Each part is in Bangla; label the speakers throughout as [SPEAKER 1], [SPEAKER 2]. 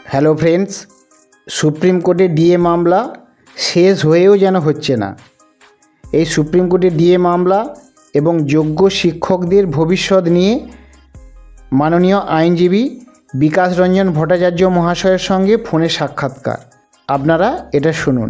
[SPEAKER 1] হ্যালো ফ্রেন্ডস, সুপ্রিম কোর্টে ডিএ মামলা শেষ হয়েও যেন হচ্ছে না। এই সুপ্রিম কোর্টে ডিএ মামলা এবং যোগ্য শিক্ষকদের ভবিষ্যৎ নিয়ে মাননীয় আইনজীবী বিকাশ রঞ্জন ভট্টাচার্য মহাশয়ের সঙ্গে ফোনে সাক্ষাৎকার। আপনারা এটা শুনুন।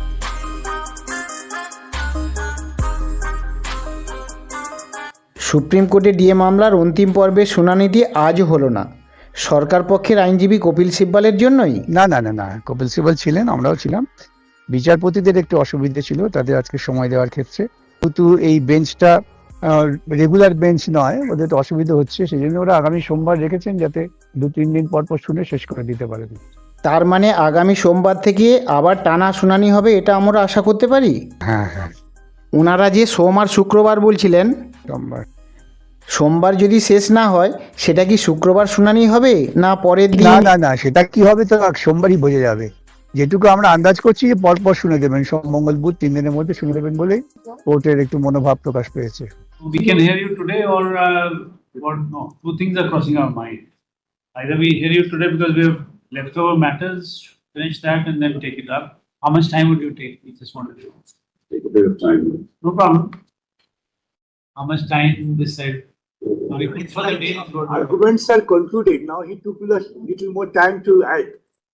[SPEAKER 1] সুপ্রিম কোর্টে ডিএ মামলার অন্তিম পর্বের শুনানিটি আজও হলো না। সরকার পক্ষের আইনজীবী কপিল সিব্বলের জন্যই?
[SPEAKER 2] না, কপিল সিব্বল ছিলেন, আমরাও ছিলাম। বিচারপতিদের একটু অসুবিধা ছিল তাদের আজকে সময় দেওয়ার ক্ষেত্রে, কিন্তু এই বেঞ্চটা রেগুলার বেঞ্চ নয়, ওদের তো অসুবিধা হচ্ছে, সেই জন্য ওরা আগামী সোমবার রেখেছেন যাতে 2-3 দিন পর শুনে শেষ করে দিতে পারেন।
[SPEAKER 1] তার মানে আগামী সোমবার থেকে আবার টানা শুনানি হবে, এটা আমরা আশা করতে পারি?
[SPEAKER 2] হ্যাঁ,
[SPEAKER 1] ওনারা যে সোম আর শুক্রবার বলছিলেন, সোমবার যদি শেষ না হয় সেটা কি শুক্রবার শুনানি হবে না পরের দিন?
[SPEAKER 2] না, সেটা কি হবে তো সোমবারই বোঝা যাবে। যেটুকু আমরা আন্দাজ করছি যে পরপর শুনে দেবেন, সোম মঙ্গল বুধ 3 দিনের মধ্যে শুনে দেবেন বলেই কোর্টের একটু মনোভাব প্রকাশ পেয়েছে।
[SPEAKER 3] We can hear you today or no. Two things are crossing our mind. Either we hear you today because we have leftover matters, finish that and then take it up. How much time would you take? We just wanted to
[SPEAKER 4] Take a bit of time.
[SPEAKER 3] No problem. How much time this side?
[SPEAKER 5] Arguments are concluded. Now he took a little more time to add.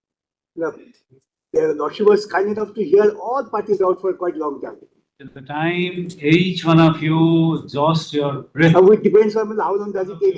[SPEAKER 5] The Lordship was kind enough to hear all parties out for quite a long time.
[SPEAKER 3] At the time each one of you exhaust your breath.
[SPEAKER 5] Now it depends on how long does it take.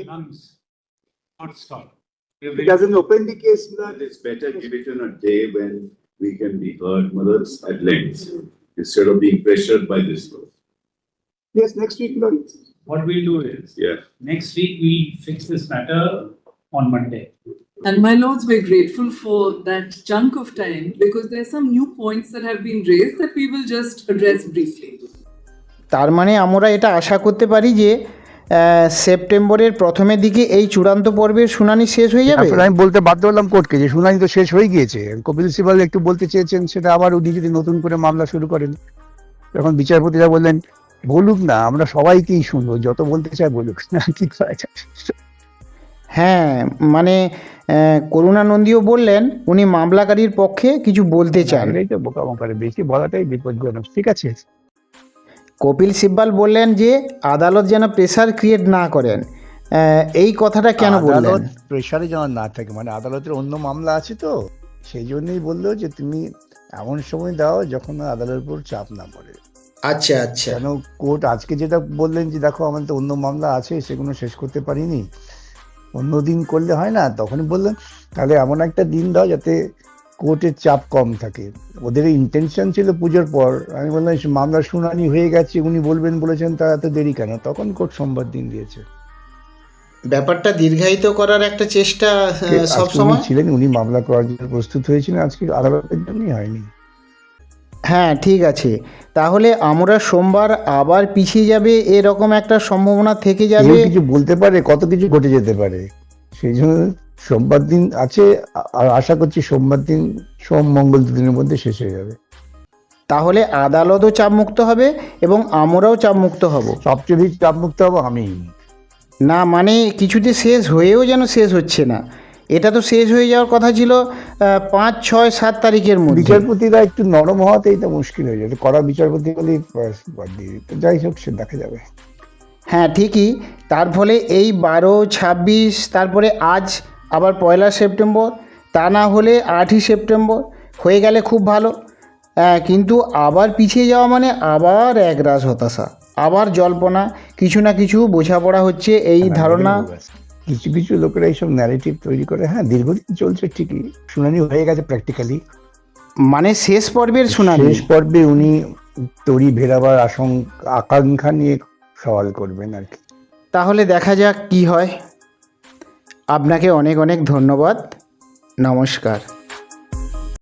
[SPEAKER 3] Not stop.
[SPEAKER 5] If it doesn't open the case,
[SPEAKER 4] It's better give it in a day when we can be heard, mothers, at length, instead of being pressured by this law.
[SPEAKER 5] yes, next week, Lord.
[SPEAKER 3] What we'll do is,
[SPEAKER 4] Yeah.
[SPEAKER 3] next week we'll fix this matter on Monday.
[SPEAKER 6] And my lords, we're grateful for that chunk of time because there are some new points that have been raised that we will just address briefly.
[SPEAKER 1] তার মানে আমরা এটা আশা করতে পারি যে সেপ্টেম্বরের প্রথমের দিকে এই চূড়ান্ত পর্বের শুনানি শেষ হয়ে যাবে।
[SPEAKER 2] আসলে আমি বলতে বাধ্য হলাম কোর্টকে যে শুনানি তো শেষ হয়ে গিয়েছে। কপিল সিব্বল একটু বলতে চেয়েছেন সেটা, আবার উনি যদি নতুন করে মামলা শুরু করেন, তখন বিচারপতিরা বললেন বলুক না, আমরা সবাইকেই শুনবো, যত বলতে চায় বলুক না, কি করা যায়।
[SPEAKER 1] হ্যাঁ, মানে করুণানন্দীও বললেন উনি মামলাকারীর পক্ষে কিছু বলতে চান।
[SPEAKER 2] এটাই তো বোকামো করে, বেশি বলাটাই বিপজ্জনক। ঠিক আছে।
[SPEAKER 1] কপিল সিব্বল বললেন যে আদালত যেন প্রেসার ক্রিয়েট না করেন, এই কথাটা কেন বললেন?
[SPEAKER 2] প্রেসারে যেন না থাকে, মানে আদালতের অন্য মামলা আছে তো, সেই জন্যই বললো যে তুমি এমন সময় দাও যখন আদালতের উপর চাপ না পড়ে।
[SPEAKER 1] আচ্ছা,
[SPEAKER 2] কেন কোর্ট আজকে যেটা বললেন যে দেখো আমাদের তো অন্য মামলা আছে, সেগুলো শেষ করতে পারিনি, অন্য দিন করলে হয় না, তখনই বললেন তাহলে এমন একটা দিন দাও যাতে কোর্টের চাপ কম থাকে। ওদের ইন্টেনশন ছিল পুজোর পর। আমি বললাম মামলার শুনানি হয়ে গেছে, উনি বলেছেন তা এত দেরি কেন, তখন কোর্ট সোমবার দিন দিয়েছে।
[SPEAKER 1] ব্যাপারটা দীর্ঘায়িত করার একটা চেষ্টা সব সময়
[SPEAKER 2] ছিলেন, উনি মামলা করার জন্য প্রস্তুত হয়েছিলেন, আজকে আদালতের জন্যই হয়নি।
[SPEAKER 1] হ্যাঁ, ঠিক আছে, তাহলে আমরা সোমবার আবার পিছিয়ে যাবে এরকম একটা সম্ভাবনা থেকে যাবে।
[SPEAKER 2] কিছু বলতে পারে, কত কিছু ঘটে যেতে পারে, সেই জন্য সোমবার দিন আছে, আর আশা করছি সোমবার দিন, সোম মঙ্গল 2 দিনের মধ্যে শেষ হয়ে যাবে।
[SPEAKER 1] তাহলে আদালতও চাপমুক্ত হবে এবং আমরাও চাপমুক্ত হব।
[SPEAKER 2] সবচেয়ে বেশি চাপমুক্ত হবো আমি।
[SPEAKER 1] না মানে কিছুতে শেষ হয়েও যেন শেষ হচ্ছে না, এটা তো শেষ হয়ে যাওয়ার কথা ছিল 5, 6, 7 তারিখের মধ্যে।
[SPEAKER 2] বিচারপতিরা একটু নরম হওয়াতেই তো মুশকিল হয়ে যাবে, কড়া বিচারপতি বলেই বাদ দিয়ে দিতে, যাই হোক সে দেখা যাবে।
[SPEAKER 1] হ্যাঁ ঠিকই, তার ফলে এই 12, 26, তারপরে আজ আবার 1 সেপ্টেম্বর, তা না হলে 8ই সেপ্টেম্বর হয়ে গেলে খুব ভালো। কিন্তু আবার পিছিয়ে যাওয়া মানে আবার একরাশ হতাশা, আবার জল্পনা, কিছু না কিছু বোঝাপড়া হচ্ছে, এই ধারণা।
[SPEAKER 2] কিছু লোকেরা এইসব ন্যারেটিভ তৈরি করে। হ্যাঁ, দীর্ঘদিন চলছে ঠিকই, শুনানি হয়ে গেছে প্র্যাকটিক্যালি,
[SPEAKER 1] মানে শেষ পর্বের শুনানি।
[SPEAKER 2] শেষ পর্বে উনি তড়ি ভেরাবার আকাঙ্ক্ষা নিয়ে সওয়াল করবেন আর কি।
[SPEAKER 1] তাহলে দেখা যাক কি হয়। আপনাকে অনেক অনেক ধন্যবাদ, নমস্কার।